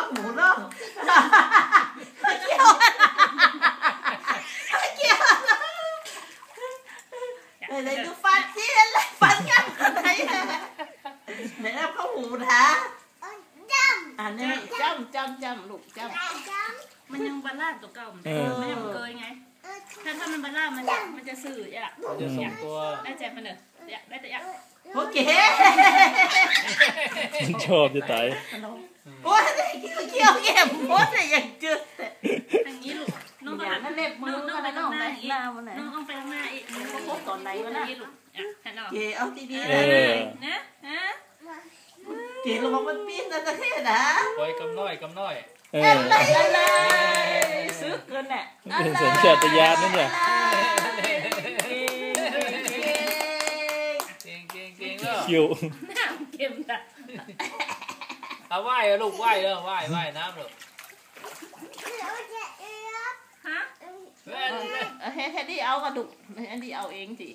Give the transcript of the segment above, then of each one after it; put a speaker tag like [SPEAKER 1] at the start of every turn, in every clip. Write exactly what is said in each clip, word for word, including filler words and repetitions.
[SPEAKER 1] หมูเนาะเกี่ยวเกี่ยวอะไรดูฟันที่อะไรฟันกันอะไรไหนเอาข้าวหมูท้าอันนี้จำจำจำลูกจำ
[SPEAKER 2] มันยังบาลานตัวเก่ามันไม่ยังเกยไงถ้าถ้ามันบาลานมันจะมันจะสื่ออ่ะ
[SPEAKER 3] มันจะส่งตัว
[SPEAKER 2] ได้ใจมันเนอะได้แต่ยัง
[SPEAKER 1] โอเค
[SPEAKER 4] ชอบจะตาย
[SPEAKER 1] โอ้ยเกี่ยวเกี่ยวโอ้ยอย่างจืด
[SPEAKER 2] อย่างนี้ลูกน้อง
[SPEAKER 1] อย่างนั้นเล็บมือน้องไปน้องไหนหน้าวันไหน
[SPEAKER 2] น้องเอาไปข้างหน้าอีกน้องก็พบตอนไหนวะนะลูกอ่ะเห็นหรอ
[SPEAKER 1] เกี่ยวเอาทีนี้
[SPEAKER 2] เลยนะฮะ
[SPEAKER 1] เกี่ยวลงมันปีนนั่นนะแค่นะ
[SPEAKER 3] ปล่อยกำน้อยกำน้อย
[SPEAKER 1] อะไรอะไรซื้อเกินแหละ
[SPEAKER 4] สัญชาตญาณนั่นเนี่ยคิว
[SPEAKER 2] น้ำเค็มจ้ะ
[SPEAKER 3] เอาไหว้เอาลูกไหว้เลยไหว้ไหว้น้ำลูก
[SPEAKER 2] ฮะ
[SPEAKER 1] เฮ้ยแค่นี้เอากระดูกอันนี้เอาเองสิ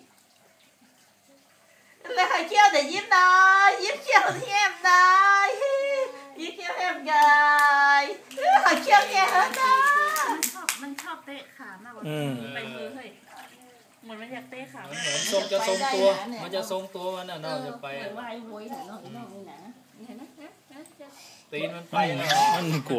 [SPEAKER 1] แล้วให้เคี้ยวแต่ยิ้มหน่อยยิ้มเคี้ยวเทียมหน่อยยิ้มเคี้ยวเทียมกันให้เคี้ยวแก่เหรอจ้า
[SPEAKER 2] มันชอบมันชอบเตะขามากกว่าไปมือเฮ้ยเหมือนมันอยากเตะขา
[SPEAKER 3] เหมือนทรงจะทรงตัวมันจะทรงตัวมันน่ะเนาะจะไป
[SPEAKER 2] เหมือนวายโวยหน่อยน้องน้องนี่นะเห็นไหม
[SPEAKER 3] ตีนมันไป
[SPEAKER 4] มันกลัว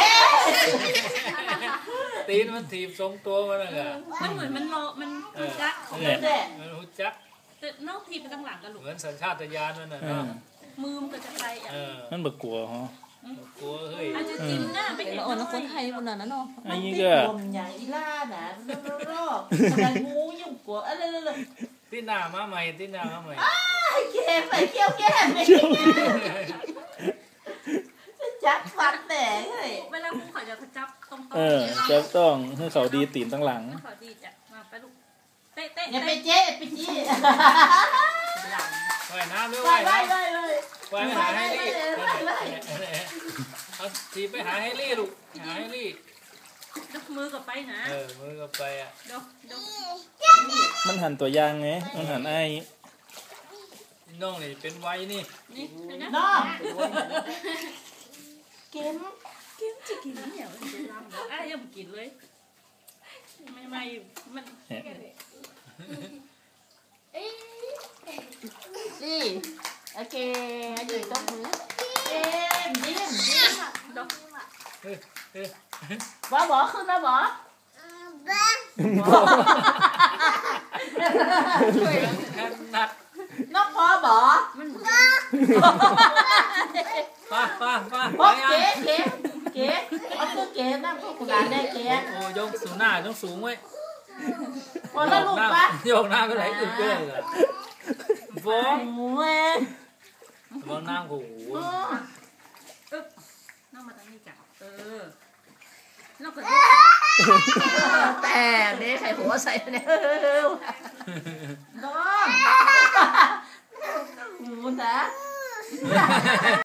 [SPEAKER 3] ตีนมันถีบทรงตัวมันน่ะ
[SPEAKER 2] มันเหมือนมันโลมันหุจัก
[SPEAKER 3] ของมันเนี่ยมันหุจัก
[SPEAKER 2] แต่นอกทีไปตั้งหลังกันลูก
[SPEAKER 3] เหมือนสัญชาตญาณนั่นน่ะเนาะ
[SPEAKER 2] มือมันก็จะไปอ่ะ
[SPEAKER 4] มันบักกลัวฮะ
[SPEAKER 3] กลัวเฮ้ย
[SPEAKER 2] อาจจะจิ้มหน้าไปเห็น
[SPEAKER 1] อ่อนคนไทยคนนั้นเนาะ
[SPEAKER 4] อันนี้ก็
[SPEAKER 1] อย่างอีล่าน่ะรอบๆอะไรงูยุ่งกลัวอะไรเลย
[SPEAKER 3] ที่หน้ามาใหม่ที่หน้ามาใหม่
[SPEAKER 1] เก็บไปเกี่ยวแก้มจับฟันแต่เฮ้ย
[SPEAKER 2] เวลาคุณขอจะจับตรง
[SPEAKER 4] เออจับต้องให้เขาดีตีนตั้งหลัง
[SPEAKER 2] ขอดีจ้ะมาไปลูกเตะเตะ
[SPEAKER 1] อย่าไปเจ๊ไปจี้
[SPEAKER 3] ว่ายน้ำด้วย
[SPEAKER 1] ว่าย
[SPEAKER 3] น้ำ
[SPEAKER 1] ว่ายเลย
[SPEAKER 3] ว่ายไปหาให้ลี่เอาทีไปหาให้ลี่ลูกหาให้ลี่
[SPEAKER 2] ยกมือกับไปนะ
[SPEAKER 3] เออมือกับไปอ่ะ
[SPEAKER 2] ยกย
[SPEAKER 4] กมันหันตัวยางไงมันหันไอ้
[SPEAKER 3] น้องนี่เป็นไว้นี่
[SPEAKER 2] นี่
[SPEAKER 1] น้องเกม
[SPEAKER 2] เกมจะกินเหนียวจะลำแล้วอ่ะยังไม่กินเลยไม่ไม่มัน
[SPEAKER 1] สิโอเคอยู่ตรงมือเอ็มยิ้มยิ้มบ่บ่ขึ้นนะบ่
[SPEAKER 3] นัด
[SPEAKER 1] นกพอบ่
[SPEAKER 3] ป้าป้าป้า
[SPEAKER 1] บ่เก๋เก๋เก๋เอาคือเก๋นั่งกระดานได้เก๋
[SPEAKER 3] โอ้ยกสูงหน้ายกสูงไว้
[SPEAKER 1] พอแล้วลูกปะ
[SPEAKER 3] โยกหน้าก็ไหลอึดเลยล่ะฟ้อง
[SPEAKER 1] เว้ย
[SPEAKER 3] ฟ้องน้ำกู
[SPEAKER 2] น้องมาตั้งนี่จ้ะเออน้องก็
[SPEAKER 1] แต่เนี่ยไข่หัวใส่เนี่ยน้องหมูนะ